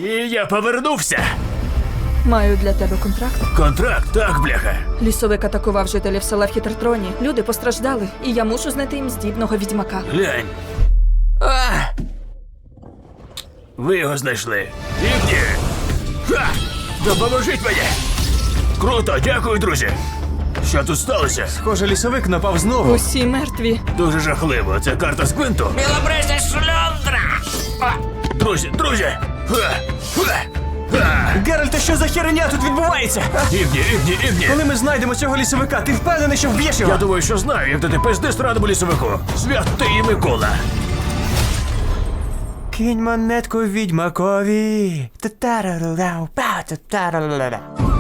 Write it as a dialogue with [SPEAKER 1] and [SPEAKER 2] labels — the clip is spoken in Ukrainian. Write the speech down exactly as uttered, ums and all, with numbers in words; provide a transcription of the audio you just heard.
[SPEAKER 1] я повернувся.
[SPEAKER 2] Маю для тебе контракт.
[SPEAKER 1] Контракт, так, бляха.
[SPEAKER 2] Лісовик атакував жителів села в Хітертроні. Люди постраждали, і я мушу знайти їм здібного відьмака.
[SPEAKER 1] Глянь. А! Ви його знайшли. Ігні! Ха! Допоможіть мені! Круто, дякую, друзі! Що тут сталося?
[SPEAKER 3] Схоже, лісовик напав знову.
[SPEAKER 2] Усі мертві.
[SPEAKER 1] Дуже жахливо. Це карта з Квинту.
[SPEAKER 4] Білобриса шльондра!
[SPEAKER 1] А! Друзі, друзі! Ха! Ха! Ха!
[SPEAKER 3] Геральте, що за херня тут відбувається?
[SPEAKER 1] Ігні, Ігні, Ігні!
[SPEAKER 3] Коли ми знайдемо цього лісовика, ти впевнений, що вб'єш його?
[SPEAKER 1] Я думаю, що знаю, як дати пизди странному лісовику. Святий Микола.
[SPEAKER 3] Кинь монетку відьмакові. Та-та-ра-ра-ра, па-та-та-ра-ра-ра.